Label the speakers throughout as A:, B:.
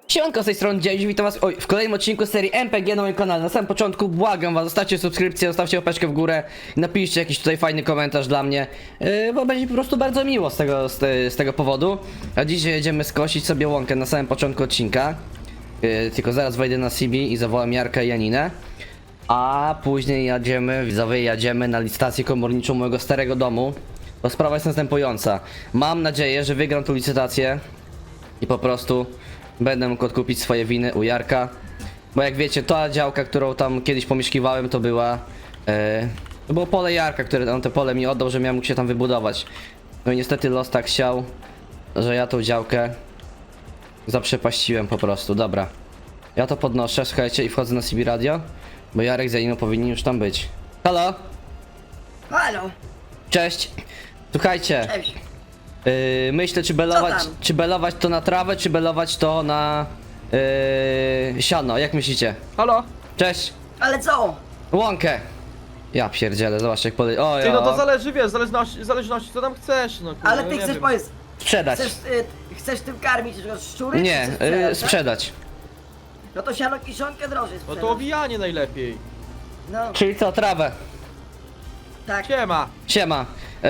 A: Siemanko, z tej strony Dzień, witam was w kolejnym odcinku serii MPG na moim kanale. Na samym początku błagam was, zostawcie subskrypcję, zostawcie łapeczkę w górę i napiszcie jakiś tutaj fajny komentarz dla mnie, bo będzie po prostu bardzo miło z tego powodu. A dzisiaj jedziemy skosić sobie łąkę na samym początku odcinka. Tylko zaraz wejdę na CB i zawołam Jarka i Janinę. A później jadziemy na licytację komorniczą mojego starego domu. To sprawa jest następująca. Mam nadzieję, że wygram tą licytację i po prostu będę mógł odkupić swoje winy u Jarka. Bo jak wiecie, ta działka, którą tam kiedyś pomieszkiwałem, to było pole Jarka, które on te pole mi oddał, że miałem mógł się tam wybudować. No i niestety los tak chciał, że ja tą działkę zaprzepaściłem po prostu. Dobra, ja to podnoszę, słuchajcie, i wchodzę na CB Radio, bo Jarek z Janiną powinni już tam być. Halo?
B: Halo,
A: Cześć. Słuchajcie,
B: cześć.
A: myślę,
B: Co
A: czy
B: tam?
A: belować to na trawę, czy belować to na siano, jak myślicie?
C: Halo?
A: Cześć.
B: Ale co?
A: Łąkę. Ja pierdzielę, zobacz jak podej... O,
C: Ty, no to
A: ja.
C: zależy, wiesz, zależności co tam chcesz, no kurwa,
B: Ale
C: no
B: ty
C: nie
B: chcesz
C: wiem.
B: powiedz,
A: Sprzedać.
B: chcesz tym karmić szczury?
A: Nie,
B: czy chcesz sprzedać, tak?
A: sprzedać.
B: No to siano kiszonkę drożej
C: No
B: sprzedać.
C: to owijanie najlepiej.
B: No,
A: Czyli co, trawę.
B: tak.
C: Siema.
A: Siema.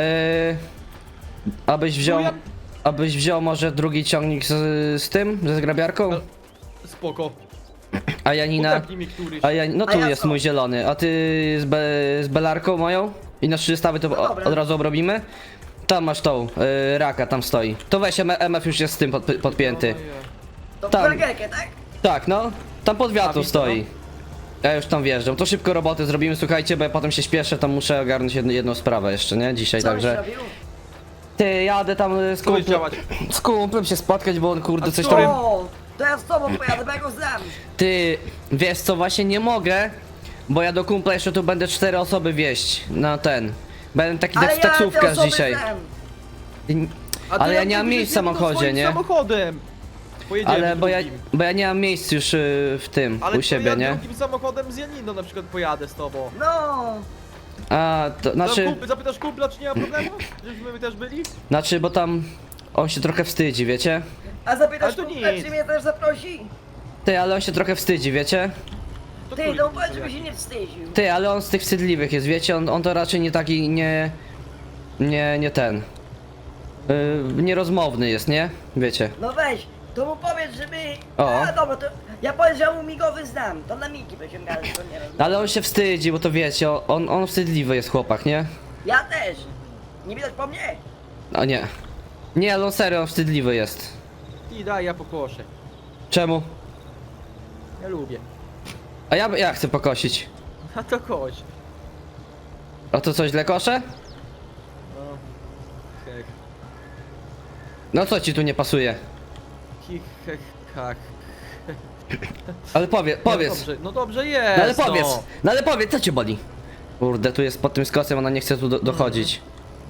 A: Abyś wziął...
C: No ja-
A: Abyś wziął może drugi ciągnik z tym, ze zgrabiarką?
C: Spoko.
A: A Janina...
C: Udepnij mi któryś.
A: No
B: A
A: tu
B: ja
A: jest
B: co?
A: mój zielony, a ty z belarką moją? I na 300 to
B: No dobra.
A: od razu obrobimy? Tam masz tą, raka tam stoi. To weź, MF już jest z tym podpięty.
C: No,
B: To
A: tam.
B: burgerkę, tak?
A: Tak, no, tam pod wiatru
C: widzę,
A: stoi. Ja już tam wjeżdżam. To szybko roboty zrobimy, słuchajcie, bo ja potem się śpieszę, tam muszę ogarnąć jedną sprawę jeszcze, nie? Dzisiaj,
B: Co byś
A: także...
B: robił?
A: Ty, jadę tam z
C: Co będziesz
A: kumplem,
C: działać?
A: z kumplem się spotkać, bo on kurde
C: A
A: coś
C: co?
A: tam...
B: O, to ja z tobą pojadę, bo ja go znam.
A: Ty, wiesz co, właśnie nie mogę, bo ja do kumpla jeszcze tu będę 4 osoby wieść na ten. Będę taki
B: Ale ja te
A: taksówkarz
B: osoby
A: dzisiaj.
B: znam.
C: A ty
A: Ale ja
C: jak
A: nie mam
C: mówisz,
A: miejsc w
C: jedziemy
A: samochodzie,
C: swoim
A: nie?
C: samochodem. Pojedziemy
A: Ale
C: drugim.
A: bo ja nie mam miejsc już w tym,
C: Ale
A: u siebie,
C: ja
A: nie?
C: drugim samochodem z Janiną na przykład pojadę z tobą.
B: No,
A: A, to znaczy,
C: Zapytasz kumpla, czy nie ma problemu? Żebyśmy my też byli?
A: bo tam on się trochę wstydzi, wiecie?
B: a zapytasz
C: Ale to
B: kumpla,
C: nic.
B: czy mnie też zaprosi?
A: Ty, ale on się trochę wstydzi, wiecie?
C: To
B: Ty,
C: chuj,
B: no
C: kurwa,
B: powiedz, żeby
C: jak.
B: się nie wstydził.
A: Ty, ale on z tych wstydliwych jest, wiecie? On to raczej nie taki, nie ten. Nierozmowny jest, nie? Wiecie?
B: No weź, to mu powiedz, żeby...
A: O.
B: A dobra, to ja powiem, że ja mu migowy znam. To na migi wyciągałem, to nie wiem.
A: Ale on się wstydzi, bo to wiecie, on wstydliwy jest chłopak, nie?
B: Ja też. Nie widać po mnie?
A: A nie. Nie, ale on serio, on wstydliwy jest.
C: I daj, ja pokoszę.
A: Czemu?
C: Ja lubię.
A: A ja chcę pokosić.
C: A to koś.
A: A to coś źle koszę?
C: No. Hech.
A: No co ci tu nie pasuje?
C: Hich, hech, hach.
A: Ale powiedz.
C: No dobrze jest.
A: No ale powiedz, no ale powiedz, co cię boli? Kurde, tu jest pod tym skosem, ona nie chce tu dochodzić.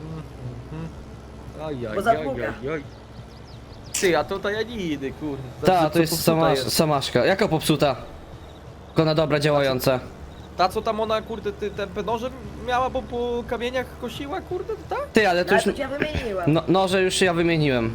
B: Bo zapługa.
C: Ty, a to ta Janiny, kurde.
A: Ta,
C: Co
A: to jest
C: popsuta
A: samaszka. Jaka popsuta? Tylko na dobra działająca.
C: Ta, co tam ona, kurde, te noże miała, bo po kamieniach kosiła, kurde, to tak?
A: Ty, ale to
B: Ja
A: już...
B: to cię wymieniłem.
A: No, noże już ja wymieniłem.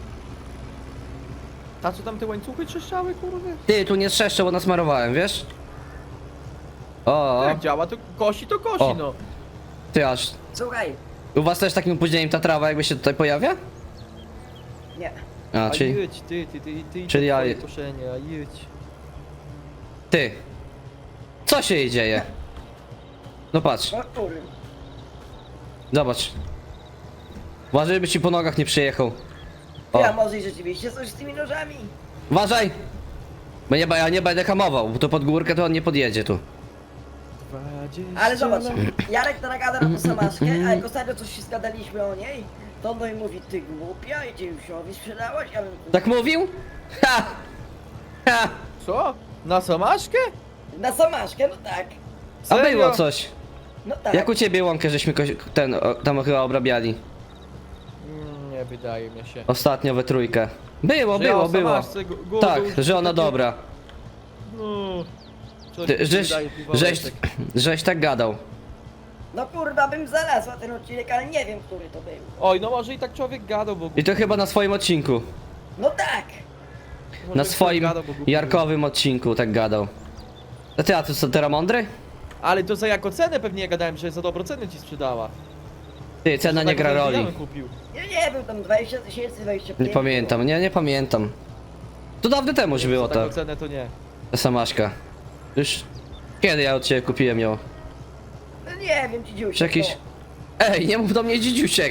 C: Ta, co tam te łańcuchy trzeszczały, kurde?
A: Ty, tu nie trzeszczę, bo nasmarowałem, wiesz? O,
C: Jak działa, to kosi,
A: O.
C: no.
A: ty aż...
B: Słuchaj,
A: U was też takim opóźnieniem ta trawa jakby się tutaj pojawia?
B: nie.
A: A,
C: A
A: czyli...
C: jedź, ty,
A: czyli ja-
C: koszenie, a jedź.
A: Ty. Co się jej dzieje? No patrz,
B: O kurde.
A: zobacz. Uważaj, żeby ci po nogach nie przyjechał. O,
B: Ja może i rzeczywiście coś z tymi nożami.
A: uważaj! Bo ja nie będę hamował, bo to pod górkę to on nie podjedzie tu.
C: 20
B: Ale zobacz,
C: lat.
B: Jarek teraz gada na tą samaszkę, a jak ostatnio coś się zgadaliśmy o niej, to on do niej mówi, ty głupia, i Dzieusiowi sprzedałaś, ja bym...
A: Tak mówił? Ha! Ha!
C: Co? Na samaszkę?
B: Na samaszkę, no tak.
A: A
C: Serio?
A: było coś.
B: No tak.
A: Jak u ciebie łąkę żeśmy tam chyba obrabiali.
C: Nie wydaje mi się.
A: Ostatnio we trójkę. Było,
C: Że ja o
A: było.
C: samaszce
A: Tak,
C: już
A: że ona
C: takie-
A: dobra.
C: No. Coś
A: Ty,
C: mi
A: żeś,
C: wydaje,
A: żeś,
C: Wałeczek.
A: żeś tak gadał.
B: No kurwa, bym znalazła ten odcinek, ale nie wiem, który to był.
C: Oj, no może i tak człowiek gadał, bo...
A: I to chyba na swoim odcinku.
B: No tak.
A: na
C: bym
A: swoim
C: gadał, bo głupi
A: jarkowym odcinku tak gadał. A ty co teraz mądry?
C: Ale to za jako cenę pewnie ja gadałem, że za dobrą cenę ci sprzedała.
A: Ty, cena nie
C: Tak
A: gra
C: ja
A: roli.
C: bym kupił.
B: Nie, był tam 20 tysięcy, 25.
A: Nie pamiętam, nie pamiętam. To dawno temu już było
C: Za
A: to,
C: taką cenę to nie.
A: ta samaszka. Już kiedy ja od ciebie kupiłem ją?
B: No nie wiem, dzidziuś.
A: Czy jakiś... Ej, nie mów do mnie dzidziusiek!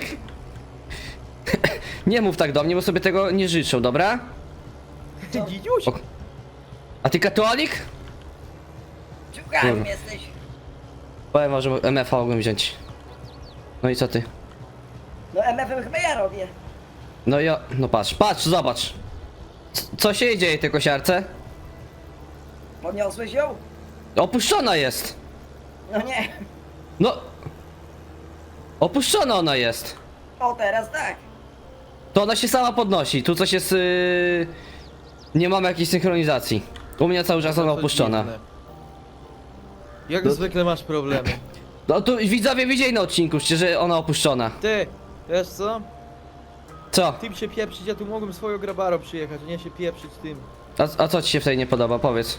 A: Nie mów tak do mnie, bo sobie tego nie życzą, dobra?
C: Ty dzidziuś?
A: O- A ty katolik?
B: Ciuchem
A: Kurwa.
B: jesteś.
A: Powiem, może MF-a mogłem wziąć. No i co ty?
B: No MF-em chyba ja robię.
A: No ja... No patrz, zobacz! Co się dzieje tej kosiarce?
B: Podniosłeś ją?
A: Opuszczona jest!
B: No nie.
A: No... Opuszczona ona jest!
B: O, teraz tak.
A: To ona się sama podnosi, tu coś jest... Nie mamy jakiejś synchronizacji. U mnie cały czas ona
C: To
A: opuszczona.
C: dziwne. Jak
A: No-
C: zwykle masz problemy.
A: No tu widzowie widzieli na odcinku, że ona opuszczona.
C: Ty, wiesz co?
A: Co?
C: Tym się pieprzyć, ja tu mogłem swoją grabaro przyjechać, a nie się pieprzyć tym.
A: A co ci się w tej nie podoba? Powiedz.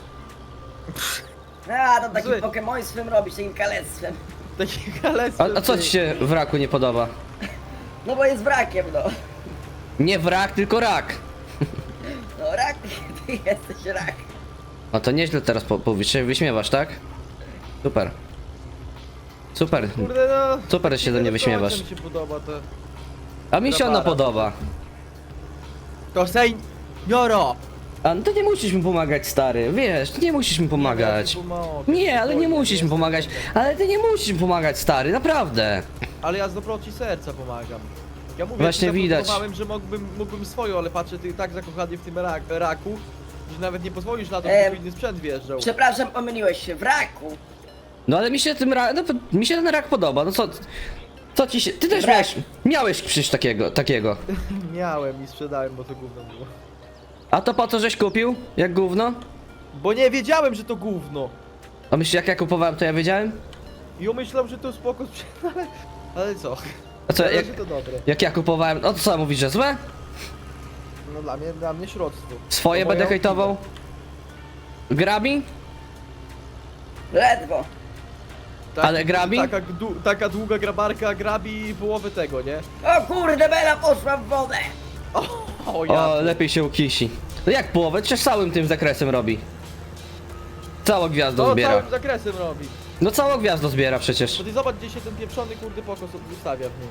B: A, to takim
C: Zły.
B: pokemoństwem robisz, takim kalectwem.
C: Takie kalectwo.
A: A co ci się w raku nie podoba?
B: No bo jest wrakiem, no.
A: Nie wrak, tylko rak.
B: No rak, ty jesteś rak.
A: No to nieźle teraz się wyśmiewasz, tak? Super. Super.
C: Kurde no.
A: Super się ze mnie wyśmiewasz.
C: Mi się podoba to.
A: A mi się ona
C: Grabara.
A: podoba.
C: To sej... Joro!
A: A no to nie musisz mi pomagać, stary. Wiesz, nie musisz mi pomagać. Nie, ale nie musisz mi pomagać. Ale ty nie musisz mi pomagać, stary, naprawdę.
C: Ale ja z dobroci serca pomagam. Ja mówię,
A: Właśnie
C: że
A: widać.
C: zaproponowałem, że mógłbym swoją, ale patrzę, ty tak zakochany w tym raku, że nawet nie pozwolisz na to, żeby inny sprzęt wjeżdżał.
B: Przepraszam, pomyliłeś się, w raku.
A: No ale mi się mi się ten rak podoba. No co ci się... Ty też
B: Rak.
A: miałeś przecież takiego.
C: Miałem i sprzedałem, bo to gówno było.
A: A to po co żeś kupił? Jak gówno?
C: Bo nie wiedziałem, że to gówno.
A: A myślisz, jak ja kupowałem, to ja wiedziałem?
C: I myślałem, że to spoko sprzęt, ale co?
A: A co,
C: Ale
A: jak,
C: że to dobre.
A: jak ja kupowałem, no to co mówisz, że złe?
C: No dla mnie środztwo.
A: Swoje
C: To
A: będę
C: moja
A: hejtował? Grabi?
B: Ledwo.
A: Ale grabi?
C: Taka długa grabarka grabi połowę tego, nie?
B: O kurde, Bela poszła w wodę.
C: O ja.
A: O, lepiej się ukisi. No jak połowę? Przecież całym tym zakresem robi. Całą gwiazdą
C: To
A: zbiera.
C: całym zakresem robi.
A: No całą gwiazdą zbiera przecież.
C: To ty zobacz, gdzie się ten pieprzony kurde pokos ustawia w nim.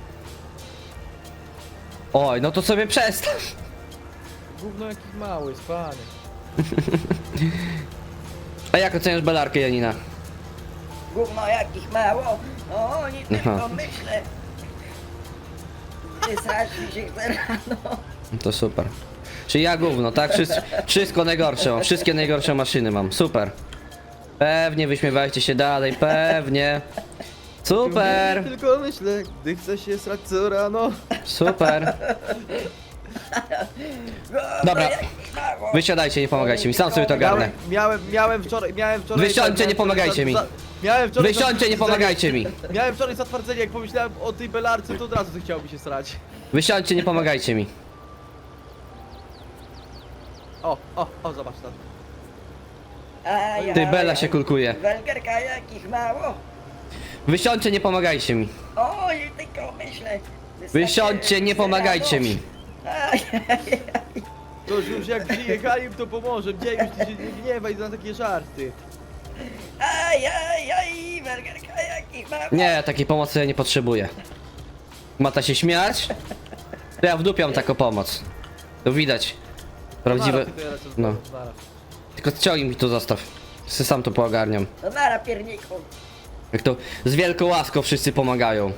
A: Oj, no to sobie przestań.
C: Gówno jakiś mały, spany.
A: A jak oceniasz belarkę, Janina?
B: Gówno jakich mało. O, nie tylko
A: Aha.
B: myślę. Wysrać mi się chce rano.
A: No to super. Czyli ja gówno, tak? Wszystko najgorsze mam, wszystkie najgorsze maszyny mam, super. Pewnie wyśmiewajcie się dalej, pewnie. Super,
C: Tylko myślę, gdy chce się srać co rano.
A: super. Dobra.
B: Jakich mało.
A: Wysiadajcie, nie pomagajcie mi, sam sobie to ogarnę.
C: Miałem wczoraj.
A: Wysiądźcie, nie pomagajcie mi.
C: Miałem wczoraj.
A: Wysiądźcie, nie pomagajcie mi.
C: Miałem wczoraj zatwardzenie, jak pomyślałem o tej belarce, to od razu chciało mi się srać.
A: Wysiądźcie, nie pomagajcie mi.
C: O, zobacz tam.
B: Aj,
A: Ty,
B: aj,
A: Bela
B: aj.
A: się kulkuje.
B: Welgerka jakich mało.
A: Wysiądźcie, nie pomagajcie mi.
B: Oj, tylko myślę.
A: Wysiądźcie, nie pomagajcie mi.
B: Aj, aj, aj.
C: To już jak przyjechali, to pomoże. Gdzie już ty się nie gniewaj na takie żarty.
B: Aj, aj, aj, welgerka jakich mało.
A: Nie, takiej pomocy ja nie potrzebuję. Mata się śmiać? To ja wdupiam taką pomoc. To widać. Prawdziwe...
C: Nara, ty to ja lecę z
A: No.
C: domu, nara.
A: Tylko ciągnij mi tu zostaw. Se sam to poogarniam.
B: No nara pierniku.
A: Jak to z wielką łaską wszyscy pomagają.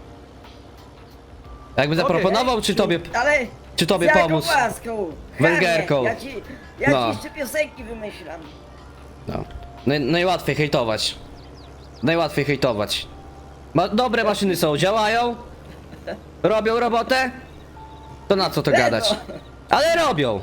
A: Jakby zaproponował, czy tobie...
B: Ale
A: Czy tobie
B: z jaką
A: pomóc?
B: łaską?
A: Welgerką.
B: Chamie, Ja
A: No.
B: ci jeszcze piosenki wymyślam.
A: No. Najłatwiej hejtować. Najłatwiej hejtować. Dobre maszyny są, działają? Robią robotę? To na co to gadać? Ale robią!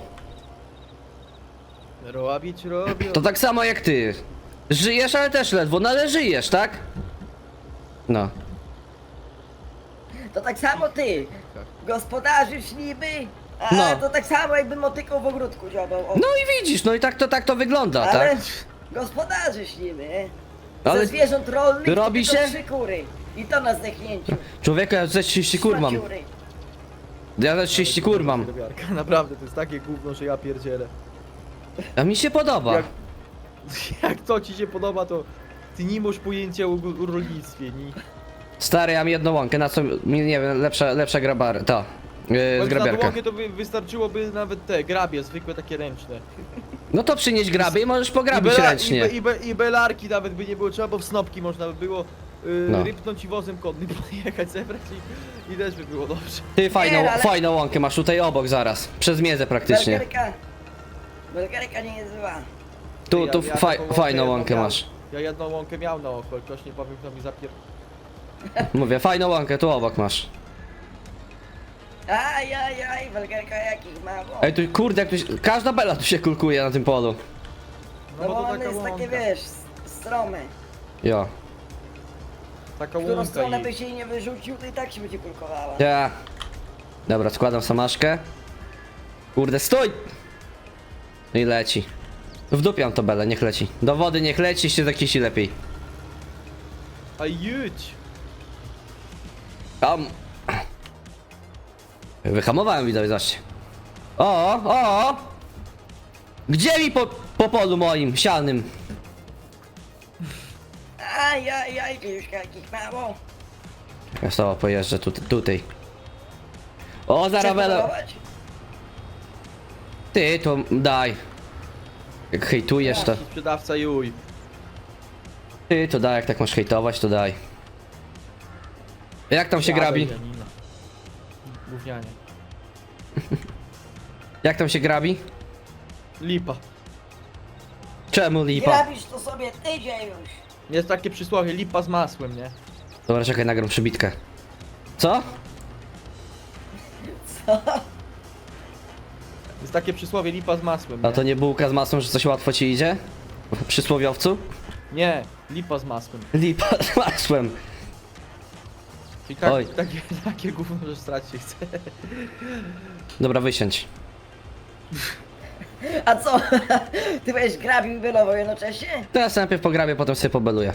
C: Robić robią.
A: To tak samo jak ty. Żyjesz, ale też ledwo, no ale żyjesz, tak? No.
B: To tak samo ty. Gospodarzysz niby, A
A: No.
B: to tak samo jakby motykał w ogródku dziobał. O.
A: No i widzisz, no i tak to wygląda,
B: Ale
A: tak?
B: gospodarze ślimy.
A: Ale
B: Ze zwierząt rolnych
A: robi
B: tylko
A: się?
B: 3 kury. I to na zdechnięciu.
A: Człowieku, ja ze 30 kur mam.
B: Szmaciury.
A: Ja ze 30 kur mam.
C: Grabiarka, naprawdę, to jest takie gówno, że ja pierdzielę.
A: A mi się podoba.
C: Jak, jak to ci się podoba, to ty nie masz pojęcia o rolnictwie, nie?
A: Stary, ja mam jedną łąkę, na co mi, nie wiem, lepsza grabar, to.
C: Bo
A: Z
C: na
A: grabiarka.
C: długę to wystarczyłoby nawet te grabie, zwykłe takie ręczne.
A: No to przynieś grabie i możesz pograbić ręcznie.
C: I belarki nawet by nie było trzeba, bo w snopki można by było
A: No.
C: rypnąć i wozem konnym pojechać, zebrać i też by było dobrze.
A: Ty fajną,
B: Nie, ale-
A: fajną łąkę masz tutaj obok zaraz. Przez miedzę praktycznie.
B: Belgarka nie jest zła.
A: Tu
C: taką
A: fajną
C: jedną
A: łąkę
C: miałem.
A: masz.
C: Ja jedną łąkę miał na oko, ktoś nie powiem, kto mi
A: Mówię, fajną łąkę tu obok masz.
B: Aj, Belgarka jakich ma. Bo.
A: Ej, tu kurde, jak tu każda bela tu się kulkuje na tym polu.
B: No bo
C: to
B: one
C: taka
B: jest takie,
C: łąka.
B: wiesz, stromy.
A: Jo.
C: Taka
B: W którą
C: łąka
B: stronę
C: i...
B: byś jej nie wyrzucił, to i tak się będzie kulkowała.
A: Ja. Dobra, składam samaszkę. Kurde, stój! No i leci. Wdupiam to belę, niech leci. Do wody niech leci, się zakisi lepiej.
C: A jedź!
A: Tam. Wyhamowałem, widzowie, zobaczcie. O! Gdzie mi po polu moim, sianym?
B: Aj, Dziuszka jakich mało.
A: Ja sobie pojeżdżę tutaj. O,
B: Chcesz
A: zaraz belę.
B: próbować?
A: Ty, to daj. Jak hejtujesz, to...
C: Sprzedawca juj.
A: Ty, to daj, jak tak masz hejtować, to daj. Jak tam się grabi?
C: Janina. Gównianie.
A: Jak tam się grabi?
C: Lipa.
A: Czemu
B: Nie
A: lipa?
B: robisz to sobie tydzień już.
C: Jest takie przysłowie, lipa z masłem, nie?
A: Dobra, czekaj, nagram przybitkę. Co?
B: Co?
C: Jest takie przysłowie, lipa z masłem,
A: A
C: nie?
A: to nie bułka z masłem, że coś łatwo ci idzie? Przysłowiowcu?
C: Nie, lipa z masłem.
A: Lipa z masłem.
C: Czyli tak,
A: Oj.
C: takie gówno, że strać się chce.
A: Dobra, wysiądź.
B: A co? Ty będziesz grabił i bylował jednocześnie?
A: Teraz najpierw pograbię, potem sobie pobeluję.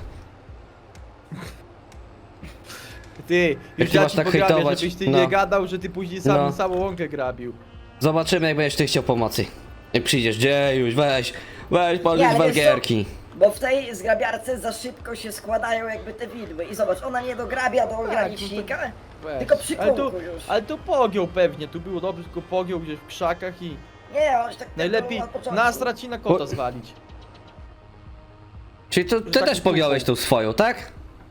C: Ty, już
A: ty
C: ja
A: masz
C: ci
A: tak
C: pograbię,
A: hejtować?
C: żebyś ty
A: No.
C: nie gadał, że ty później sam
A: No.
C: samą łąkę grabił.
A: Zobaczymy, jak będziesz ty chciał pomocy. Jak przyjdziesz, dziejuś, weź policz
B: Nie, ale wiesz co?
A: walgierki.
B: Bo w tej zgrabiarce za szybko się składają jakby te widły. I zobacz, ona nie dograbia do ogranicznika,
C: Weź.
B: tylko przy
C: ale
B: kółku
C: tu,
B: już.
C: ale tu pogiął pewnie, tu było dobrze, tylko pogiął gdzieś w krzakach i
B: Nie, on się tak
C: najlepiej
B: od początku.
C: nastrać i na kota
A: O.
C: zwalić.
A: Czyli to, ty
C: taki
A: też pogiąłeś tą swoją, tak?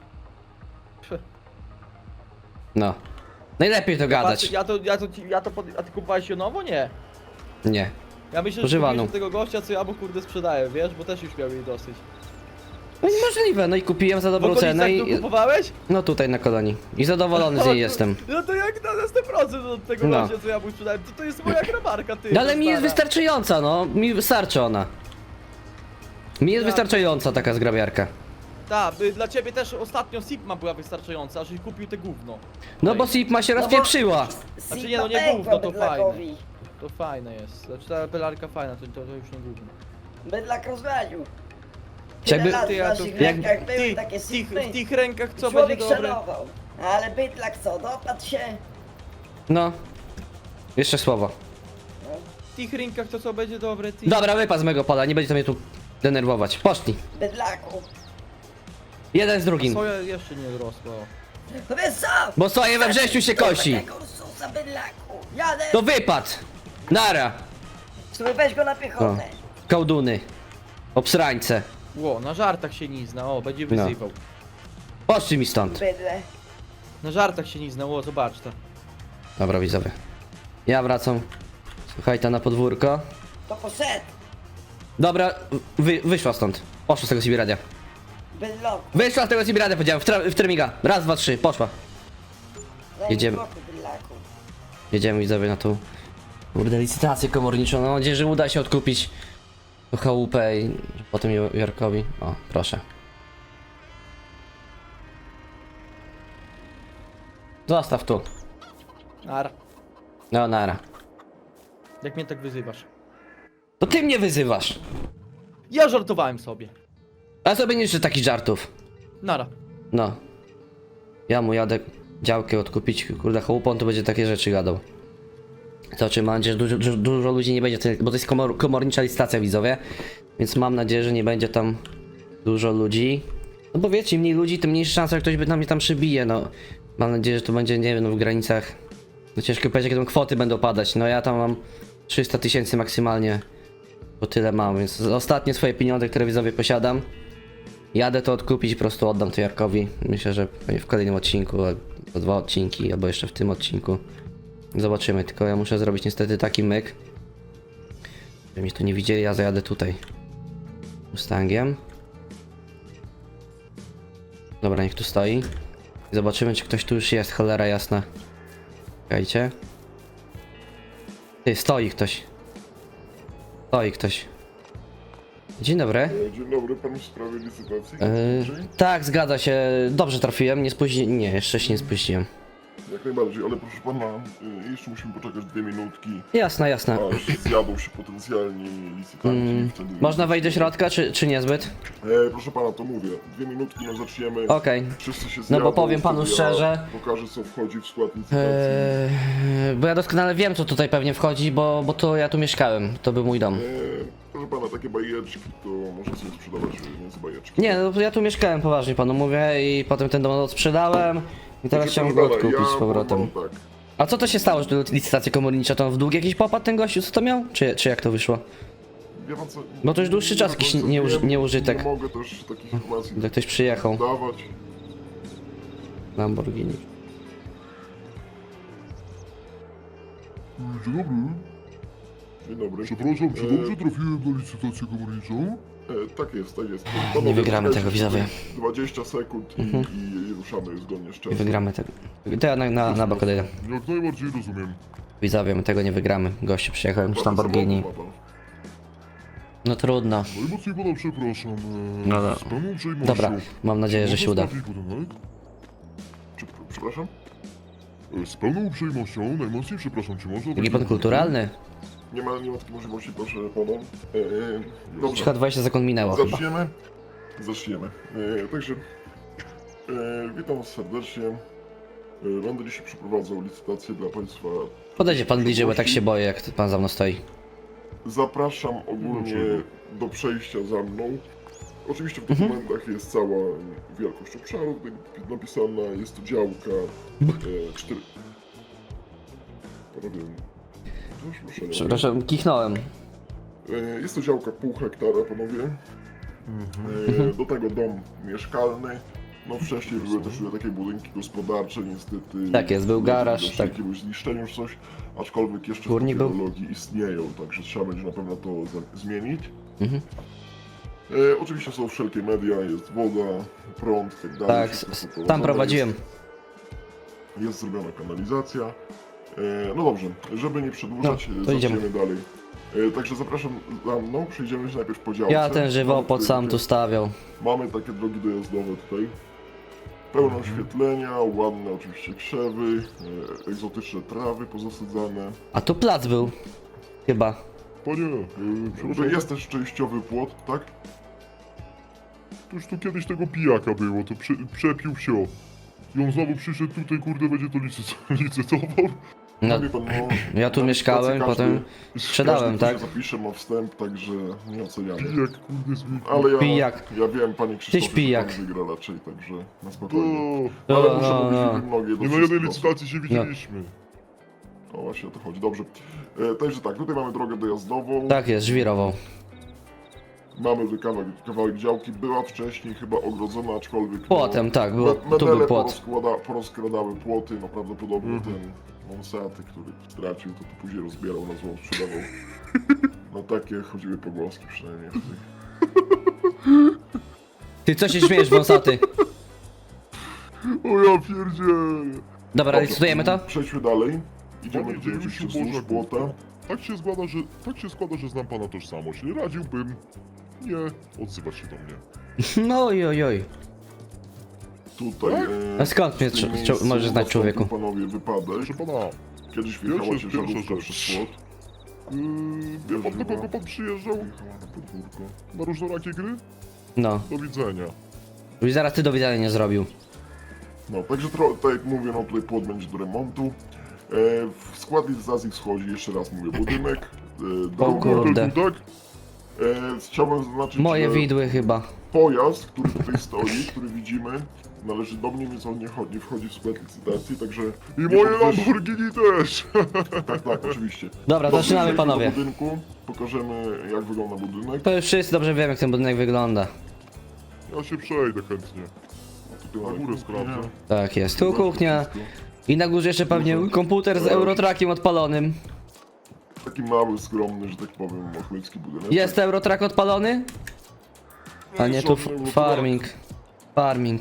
A: No. Najlepiej to gadać.
C: A ty kupowałeś ją nowo? Nie.
A: Nie.
C: Ja myślę, że
A: Używaną.
C: kupiłeś od tego gościa, co ja mu kurde sprzedaję, wiesz, bo też już miał jej dosyć.
A: No niemożliwe, no i kupiłem za
C: W
A: dobrą cenę
C: okolicach
A: i...
C: tu kupowałeś?
A: No tutaj na kolonii. I zadowolony z niej jestem.
C: No to jak na 100% od tego
A: No.
C: gościa, co ja mu sprzedałem, to jest moja grabarka, ty.
A: No ale mi jest
C: stara.
A: wystarczająca, no. Mi wystarczy ona. Mi jest
C: Ja-
A: wystarczająca taka zgrabiarka.
C: Tak, dla ciebie też ostatnio Sigma była wystarczająca, żeś kupił te gówno.
A: No bo Sipma się
B: No bo-
A: rozpieprzyła.
C: Znaczy nie, no nie
B: Sigma
C: gówno, to
B: pękła bydlakowi.
C: To fajne jest. Znaczy ta pelarka fajna, to już nie gówno.
B: Bydlak rozwadził.
A: Jakby-
B: Tyle lat
C: Ty,
B: w
C: ja to,
B: naszych
A: jak-
B: rękach były
C: ty,
B: takie Sigmy.
C: w tych rękach co
B: Człowiek
C: będzie dobre?
B: szanował. Ale bydlak co, dopadł się.
A: No. Jeszcze słowo.
C: W tych rękach to co będzie dobre, ty.
A: Dobra, wypad z mego pola, nie będzie to mnie tu denerwować. Poszli.
B: Bydlaku.
A: Jeden z drugim.
C: Soja jeszcze nie rosła.
B: No wiesz co?
A: Bo soję we wrześniu się kosi.
B: Tego Ursusa bydlaku. Jadę.
A: To wypad. Nara.
B: Słuchaj, weź go na piechotę.
A: Kołduny. Obsrańce.
C: Ło, na żartach się nie zna, o, będzie
A: No.
C: wyzywał.
A: Poszli mi stąd.
B: Bydle.
C: Na żartach się nie zna, o, zobacz to.
A: Dobra, widzowie. Ja wracam. Słuchaj, ta na podwórko.
B: To poszedł.
A: Dobra, wyszła stąd. Poszła z tego Sibiradia.
B: Bydlaku.
A: Wyszła z tego Sibiradia, powiedziałem, w termiga. Raz, dwa, trzy, poszła.
B: Daj mi
A: Jedziemy.
B: spokój, bydlaku.
A: Jedziemy widzowie na tą kurde licytację komorniczą. Mam nadzieję, że uda się odkupić tą chałupę i potem Jarkowi. O, proszę. Zostaw tu.
C: Nara.
A: No, nara.
C: Jak mnie tak wyzywasz.
A: To ty mnie wyzywasz.
C: Ja żartowałem sobie.
A: A sobie nie życzę takich żartów.
C: Nara.
A: No. Ja mu jadę działkę odkupić, kurde, chłopon to będzie takie rzeczy gadał. To czy mam nadzieję, że dużo ludzi nie będzie, bo to jest komornicza licytacja, widzowie. Więc mam nadzieję, że nie będzie tam dużo ludzi. No bo wiecie, im mniej ludzi, tym mniejsza szansa, że ktoś by na mnie tam przybije, no. Mam nadzieję, że to będzie, nie wiem, no w granicach... No ciężko powiedzieć, jakie tam kwoty będą padać. No ja tam mam 300 000 maksymalnie. Bo tyle mam, więc ostatnie swoje pieniądze, które widzowie posiadam. Jadę to odkupić i po prostu oddam to Jarkowi. Myślę, że w kolejnym odcinku, albo 2 odcinki, albo jeszcze w tym odcinku. Zobaczymy, tylko ja muszę zrobić niestety taki myk. Żeby mnie tu nie widzieli, ja zajadę tutaj. Mustangiem. Dobra, niech tu stoi. Zobaczymy, czy ktoś tu już jest, cholera jasna. Czekajcie. Ty, stoi ktoś. Stoi ktoś. Dzień dobry.
D: Dzień dobry, pan w sprawie licytacji?
A: Tak, zgadza się. Dobrze trafiłem, nie spóźniłem. Nie, jeszcze się nie spóźniłem.
D: Jak najbardziej, ale proszę pana, jeszcze musimy poczekać 2 minutki,
A: Jasne, jasne.
D: aż zjadą się potencjalni licytanci. Wtedy...
A: Można wejść do środka, czy niezbyt?
D: proszę pana, to mówię, 2 minutki, no zaczniemy.
A: Okej.
D: Wszyscy się
A: No
D: zjadą,
A: bo powiem panu
D: wtedy
A: szczerze.
D: Ja pokażę, co wchodzi w skład licytacji.
A: Bo ja doskonale wiem, co tutaj pewnie wchodzi, bo to ja tu mieszkałem. To był mój dom.
D: Proszę pana, takie bajeczki to można sobie sprzedawać między bajeczki.
A: Nie, no ja tu mieszkałem, poważnie panu mówię, i potem ten dom sprzedałem. I teraz chciałem go
D: Proszę pana,
A: odkupić z
D: ja
A: powrotem.
D: powiem tak.
A: A co to się stało, że tu licytacja komornicza, to w dług jakiś popadł ten gościu, co to miał? Czy jak to wyszło?
D: Wie pan co,
A: Bo to już dłuższy czas
D: nie
A: jakiś
D: do końca wiem,
A: nieużytek.
D: Nie mogę też takich informacji
A: Że ktoś przyjechał.
D: dawać.
A: Lamborghini.
E: Dzień dobry.
D: Dzień dobry.
E: Przepraszam, czy dobrze trafiłem na licytację komorniczą?
D: Tak jest, tak jest.
A: Nie wygramy tego,
D: czekajcie,
A: widzowie.
D: 20 sekund i ruszamy zgodnie z
A: Nie
D: czasem.
A: wygramy tego. To ja na bok odejdę.
E: Jak najbardziej rozumiem.
A: Widzowie, my tego nie wygramy. Gościu przyjechał jakimś
D: Ładny
A: Lamborghini.
D: samochód ma pan.
A: No trudno.
E: Najmocniej pana przepraszam.
A: No dobra.
E: Z pełną uprzejmością.
A: Dobra, mam nadzieję, że się uda.
E: Można trafić budynek?
D: Przepraszam?
E: Z pełną uprzejmością, najmocniej przepraszam, czy można...
A: Jaki pan kulturalny?
D: Nie ma takiej możliwości, proszę pana. Dobrze,
A: Chyba 20 sekund minęło chyba.
D: zaczniemy. Zaczniemy. Także witam was serdecznie. Będę dzisiaj przeprowadzał licytację dla państwa.
A: Podejdzie pan bliżej, bo tak się boję, jak pan za mną stoi.
D: Zapraszam ogólnie do przejścia za mną. Oczywiście w dokumentach jest cała wielkość obszaru tutaj napisana, jest to działka 4... Panowie, też proszę nie.
A: Przepraszam, kichnąłem.
D: Jest to działka pół hektara, panowie. Do tego dom mieszkalny. No wcześniej były też takie budynki gospodarcze, niestety.
A: Tak jest, był garaż,
D: doszło
A: tak.
D: do jakiegoś zniszczenia czy coś, aczkolwiek jeszcze
A: Górnik
D: w
A: był?
D: technologii istnieją, także trzeba będzie na pewno to zmienić.
A: Mhm.
D: Oczywiście są wszelkie media, jest woda, prąd i tak dalej.
A: Tak,
D: wszystko poprowadzone
A: tam prowadziłem.
D: Jest zrobiona kanalizacja. No dobrze, żeby nie przedłużać,
A: No, to idziemy.
D: zaczniemy dalej. Także zapraszam za mną, przejdziemy się najpierw po działce.
A: Ja ten żywopłot
D: Mamy
A: sam tu
D: takie-
A: stawiał.
D: Mamy takie drogi dojazdowe tutaj. Pełne oświetlenia, ładne oczywiście krzewy, egzotyczne trawy pozasadzane.
A: A tu plac był. Chyba.
E: Panie, przepraszam,
D: Jest też częściowy płot, tak?
E: to już tu kiedyś tego pijaka było, to przepił się. I on znowu przyszedł tutaj, kurde, będzie to licytował.
A: No,
D: Wie pan, no,
A: ja tu
D: na
A: mieszkałem,
D: licytację
A: potem sprzedałem,
D: każdy,
A: tak?
D: kto się zapisze, ma wstęp, także nie oceniamy.
E: Pijak, kurde, zwykły.
D: Ale ja,
A: Pijak.
D: ja wiem, panie Krzysztofie,
A: pijak.
D: że pan wygra raczej, także na
E: To...
D: spokojnie.
A: No,
D: Ale muszę
A: no,
D: powiedzieć,
A: no.
D: że mnogie
E: Nie na jednej licytacji się widzieliśmy.
D: O właśnie o to chodzi, dobrze. Także tak, tutaj mamy drogę dojazdową.
A: Tak jest, żwirował.
D: Mamy tu kawałek działki, była wcześniej chyba ogrodzona, aczkolwiek...
A: Płotem, tak, było, tu
D: medele
A: był płot.
D: porozkradały płoty, no prawdopodobnie ten Monsaty, który stracił, to później rozbierał, na złą sprzedawał. No takie chodziły pogłoski przynajmniej.
A: Ty co się śmiejesz, wąsaty?
E: O ja pierdzielę.
A: Dobra, licytujemy to?
D: Przejdźmy dalej. Idziemy
E: Panie,
D: tutaj
E: dziewięciu
D: oczywiście wzdłuż
E: Boża
D: płota.
E: Góra. Tak się składa, że znam pana tożsamość. Radziłbym nie odzywać się do mnie.
A: No oj, oj, oj.
D: Tutaj...
A: A skąd mnie
D: w tym
A: trze-
D: miejscu
A: możesz znać,
D: nastąpił,
A: człowieku?
D: panowie, wypadek.
E: Proszę pana,
D: Kiedyś wjechała
E: Pierwsza
D: ciężarówka
E: rzecz.
D: przez płot.
E: Wie pan, do kogo pan przyjeżdżał? Na różnorakie gry?
A: No.
E: Do widzenia.
A: Już zaraz ty do widzenia nie zrobił.
D: No, także tak jak mówię, no tutaj płot będzie do remontu. W skład licytacji wchodzi, jeszcze raz mówię, budynek.
A: O kurde.
E: Tak?
D: Chciałbym zaznaczyć,
A: Moje
D: że
A: widły chyba.
D: pojazd, który tutaj stoi, który widzimy, należy do mnie, więc on nie wchodzi w skład licytacji, także...
E: I
D: nie
E: moje
D: podwyższ-
E: Lamborghini też!
D: Tak, oczywiście.
A: Dobra,
D: Dobrze,
A: zaczynamy,
D: przejdziemy
A: panowie.
D: do budynku, pokażemy jak wygląda budynek.
A: To już wszyscy dobrze wiemy, jak ten budynek wygląda.
E: Ja się przejdę chętnie.
D: Tutaj
E: Na
D: mamy
E: górę
D: kuchnię.
E: sprawdzę.
A: Tak jest. Tu kuchnia. I na górze jeszcze pewnie komputer z Eurotrackiem odpalonym.
D: Taki mały, skromny, że tak powiem, ochłycki budynek.
A: Jest Eurotrack odpalony? A nie, tu farming. Farming.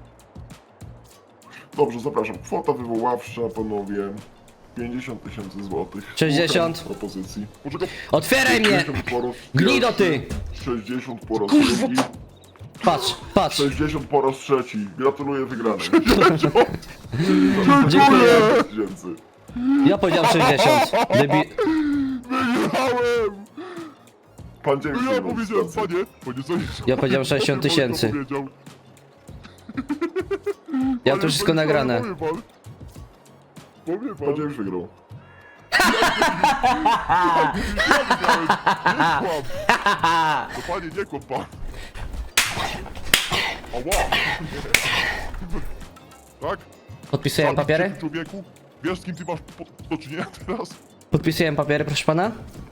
D: Dobrze, zapraszam. Kwota wywoławcza, panowie. 50 000 złotych.
A: 60.
D: Szukam propozycji.
E: Poczekaj,
A: Otwieraj mnie!
D: 60 po raz
A: Gnido
D: pierwszy,
A: ty!
D: 60 po raz drugi.
A: Patrz, patrz.
D: 60 po raz trzeci. Gratuluję wygranej.
A: Dziękuję.
D: 000.
A: Ja powiedziałem 60.
E: wygrałem!
D: Pan James
E: No ja
D: wygrał
E: powiedziałem,
D: licytację.
E: panie co jest?
A: Ja powiedziałem 60 000.
E: Powiedział.
A: Ja
E: Ale
A: to wszystko
E: panie,
A: nagrane.
E: Powie pan. Powie pan.
D: Pan James wygrał.
E: Ja wygrałem. Nie kłam. To panie, nie kłam pan. Ała. Tak?
A: Podpisujemy papiery?
E: Człowieku, wiesz z kim ty masz do czynienia teraz?
A: Podpisujemy papiery, proszę pana?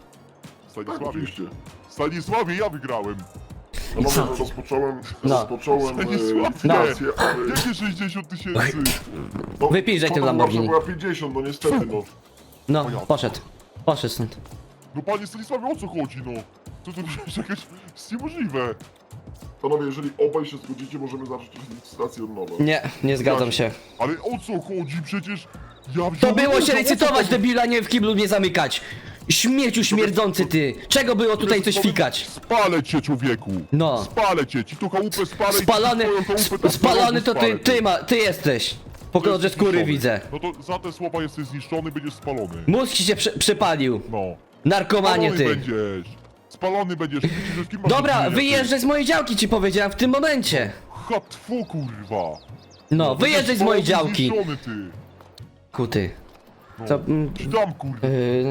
D: Tak,
E: Stanisławie.
D: oczywiście.
E: Stanisławie, ja wygrałem.
D: Panowie, rozpocząłem
E: Stanisławie.
D: licytację, ale...
E: Jakie 60 000?
D: No,
A: Wypij, że ty w
D: kwota
A: Lamborghini.
D: była 50, no niestety, no.
A: No, poszedł. Poszedł stąd.
E: No panie Stanisławie, o co chodzi, no? To jest jakieś... jest niemożliwe.
D: Panowie, jeżeli obaj się zgodzicie, możemy zacząć licytację od nowa.
A: Nie, nie zgadzam się.
E: Ale o co chodzi? Przecież... Ja
A: To
E: wziąłem
A: było się
E: udział, o co
A: licytować,
E: chodzi?
A: debila, nie w kiblu mnie zamykać. Śmieciu śmierdzący ty. Czego było tutaj coś fikać?
E: Spalę cię, człowieku!
A: No.
E: Spalę cię, ci to chałupę spalę i
A: Spalony,
E: ci twoją chałupę też
A: spalony to
E: spalę cię.
A: ty jesteś. Po kolorze
E: Jesteś
A: skóry
E: zniszczony.
A: widzę.
E: No to za te słowa jesteś zniszczony, będziesz spalony.
A: Mózg ci się przypalił.
E: No.
A: Narkomanie
E: Spalony
A: ty.
E: będziesz. Spalony będziesz. Widzisz, z kim masz do
A: Dobra,
E: czynienia, ty?
A: wyjeżdżaj z mojej działki, ci powiedziałem w tym momencie.
E: Hatfu, kurwa.
A: No, wyjeżdżaj z mojej
E: Spalony,
A: działki.
E: zniszczony, ty.
A: Kuty.
E: No.
A: Co,
E: Ci dam, kurwa.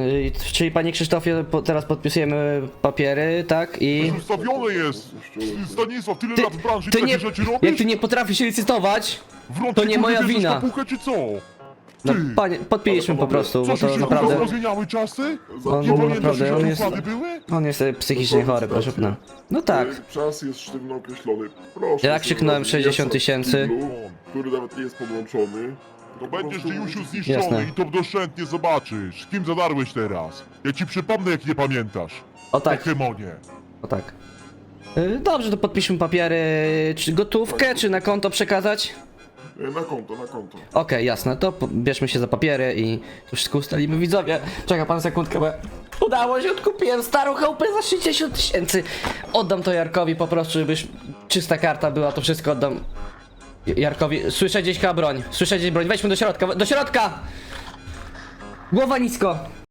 A: czyli panie Krzysztofie, teraz podpisujemy papiery, tak? I...
E: Ustawione jest. Stanisław, tyle
A: Ty-
E: lat w branży,
A: ty
E: takie
A: nie,
E: rzeczy robisz?
A: jak ty nie potrafisz się licytować,
E: Wrącz
A: to
E: ci,
A: nie
E: kurwa,
A: moja
E: bierzesz
A: wina.
E: kapuchę, czy co?
A: no
E: Ty.
A: panie, podpiliśmy po prostu, bo
E: Co
A: to
E: się
A: naprawdę...
E: kurwa zmieniały czasy?
A: On
E: Nie pamiętasz,
A: naprawdę,
E: że
A: on
E: te
A: jest-
E: układy były?
A: On jest psychicznie chory, proszę pana. No tak.
D: Czas jest sztywno określony. Proszę.
A: Ja
D: sobie
A: krzyknąłem
D: zrobić
A: 60
D: jasno w
A: 000.
D: kiblu, który nawet nie jest podłączony.
E: To będziesz ty już
A: Jasne.
E: zniszczony i to doszczętnie zobaczysz. Kim zadarłeś teraz? Ja ci przypomnę, jak nie pamiętasz.
A: O tak,
E: Pokemonie.
A: o tak. Dobrze, to podpiszmy papiery. Czy gotówkę, czy na konto przekazać?
D: Na konto, na konto.
A: Okej, jasne, to bierzmy się za papiery i to wszystko ustalimy. Widzowie, czeka pan sekundkę, bo udało się, odkupiłem starą chałupę za 60 000. Oddam to Jarkowi po prostu, żebyś czysta karta była, to wszystko oddam Jarkowi. Słyszę gdzieś broń, słyszę gdzieś broń, wejdźmy do środka, do środka! Głowa nisko!